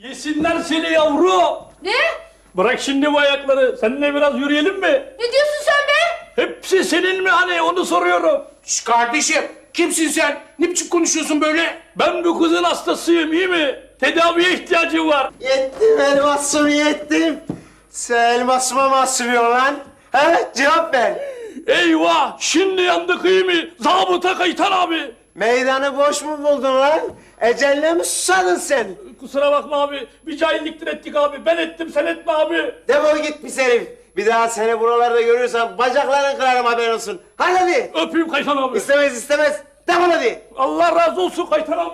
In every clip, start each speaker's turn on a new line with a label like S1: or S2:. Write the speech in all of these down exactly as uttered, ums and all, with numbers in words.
S1: Yesinler seni yavru.
S2: Ne?
S1: Bırak şimdi bu ayakları. Seninle biraz yürüyelim mi?
S2: Ne diyorsun sen be?
S1: Hepsi senin mi hani onu soruyorum.
S3: Şş kardeşim, kimsin sen? Ne biçim konuşuyorsun böyle?
S1: Ben bu kızın hastasıyım iyi mi? Tedaviye ihtiyacım var.
S4: Yettim elmasım yettim. Sen elmasıma mı asılıyorsun lan? He cevap ver.
S1: Eyvah şimdi yandık iyi mi? Zabıta Kaytan abi.
S4: Meydanı boş mu buldun lan? Ecelle mi susadın sen?
S1: Kusura bakma abi. Bir cahilliktir ettik abi. Ben ettim sen etme abi.
S4: Defol git pis herif. Bir daha seni buralarda görürsem bacaklarını kırarım haberin olsun. Hadi hadi.
S1: Öpeyim Kaytan abi.
S4: İstemez istemez. Defol hadi.
S1: Allah razı olsun Kaytan abi.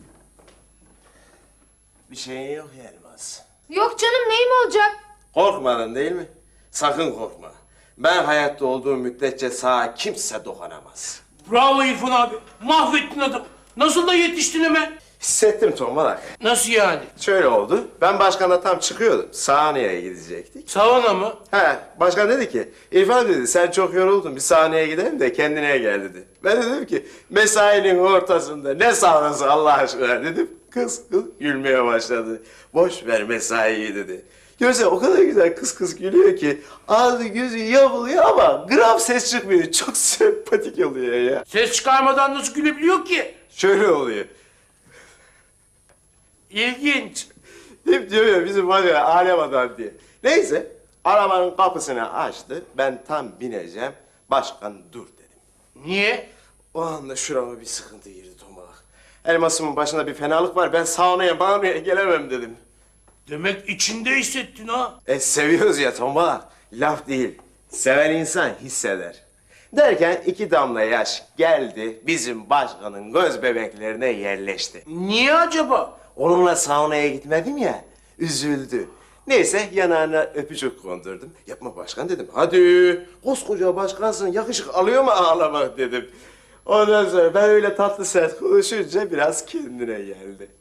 S4: Bir şeyin yok ya Elmas.
S2: Yok canım neyim olacak?
S4: Korkmadın değil mi? Sakın korkma. Ben hayatta olduğum müddetçe sağa kimse dokunamaz.
S3: Bravo İrfan abi, mahvettin adam. Nasıl da yetiştin hemen?
S4: Hissettim tombalak.
S3: Nasıl yani?
S4: Şöyle oldu. Ben başkanla tam çıkıyordum. Sahneye gidecektik.
S3: Savana mı?
S4: He, başkan dedi ki, İrfan dedi sen çok yoruldun bir sahneye gidelim de kendine gel dedi. Ben de dedim ki, mesainin ortasında ne sahnesi Allah aşkına dedim. Kız kız gülmeye başladı. Boş ver mesaiyi dedi. Görse o kadar güzel kız kız gülüyor ki ağzı gözü yapılıyor ama gram ses çıkmıyor. Çok sempatik oluyor ya.
S3: Ses çıkarmadan nasıl gülebiliyor ki?
S4: Şöyle oluyor.
S3: İlginç.
S4: Hep diyor ya bizim var ya alem adam diye. Neyse arabanın kapısını açtı. Ben tam bineceğim. Başkan dur dedim.
S3: Niye?
S4: O anda şurama bir sıkıntı girdi tombalak. Elmasımın başında bir fenalık var. Ben saunaya bağırmaya gelemem dedim.
S3: Demek içinde hissettin ha?
S4: E seviyoruz ya tombalak. Laf değil. Seven insan hisseder. Derken iki damla yaş geldi bizim başkanın göz bebeklerine yerleşti.
S3: Niye acaba?
S4: Onunla saunaya gitmedim ya, üzüldü. Neyse yanağına öpücük kondurdum. Yapma başkan dedim. Hadi koskoca başkansın yakışık alıyor mu ağlamak dedim. Ondan sonra ben öyle tatlı sert konuşunca biraz kendine geldi.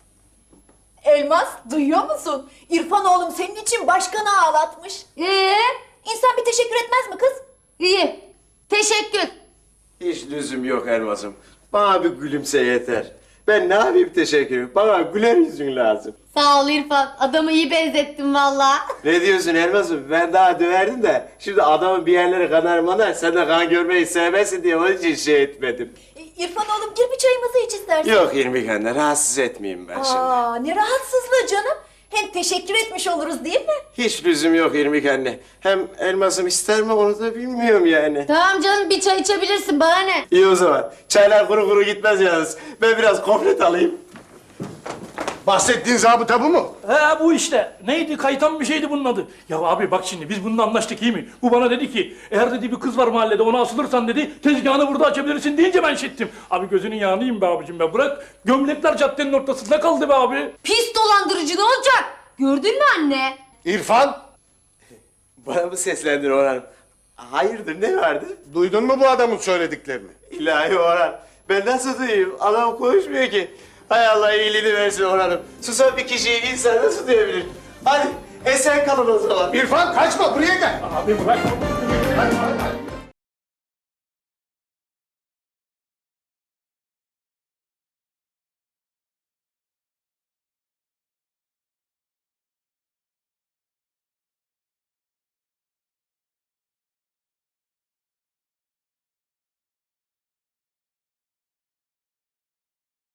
S5: Elmas, duyuyor musun? İrfan oğlum senin için başkanı ağlatmış.
S2: Ee,
S5: İnsan bir teşekkür etmez mi kız?
S2: iyi. Teşekkür.
S4: Hiç lüzum yok elmasım. Bana bir gülümse yeter. Ben ne yapayım teşekkür Bana güler yüzün lazım.
S2: Sağ ol İrfan. Adamı iyi benzettin valla.
S4: Ne diyorsun elmasım? Ben daha döverdim de şimdi adamın bir yerleri kanar manar sen de kan görmeyi sevmezsin diye onun için şey etmedim.
S5: İ- İrfan oğlum gir bir çayımızı iç istersen.
S4: Yok İrmik anne rahatsız etmeyeyim ben şimdi.
S5: Aa, ne rahatsızlığı canım. Hem teşekkür etmiş oluruz değil mi?
S4: Hiç lüzum yok İrmik anne. Hem elmasım ister mi onu da bilmiyorum yani.
S2: Tamam canım bir çay içebilirsin bana ne?
S4: İyi o zaman. Çaylar kuru kuru gitmez yalnız. Ben biraz komplet alayım.
S6: Bahsettiğin zabıta bu mu?
S1: He bu işte. Neydi Kaytan bir şeydi bunun adı. Ya abi bak şimdi biz bununla anlaştık iyi mi? Bu bana dedi ki eğer dedi bir kız var mahallede ona asılırsan dedi tezgahını burada açabilirsin deyince ben şettim. Abi gözünün yağını yiyeyim be abicim be bırak. Gömlekler caddenin ortasında kaldı be abi.
S2: Pis dolandırıcı ne olacak? Gördün mü anne?
S6: İrfan,
S4: Bana mı seslendin Orhan? Hayırdır ne vardı?
S6: duydun mu bu adamın söylediklerini?
S4: İlahi Orhan. Ben nasıl duyayım? Adam konuşmuyor ki. Hay Allah iyiliğini versin Orhan'ım. Susan bir kişiyi insan nasıl duyabilir? Hadi esen kalın o zaman.
S6: İrfan kaçma buraya gel.
S1: Abi bırak.
S6: Hadi, hadi.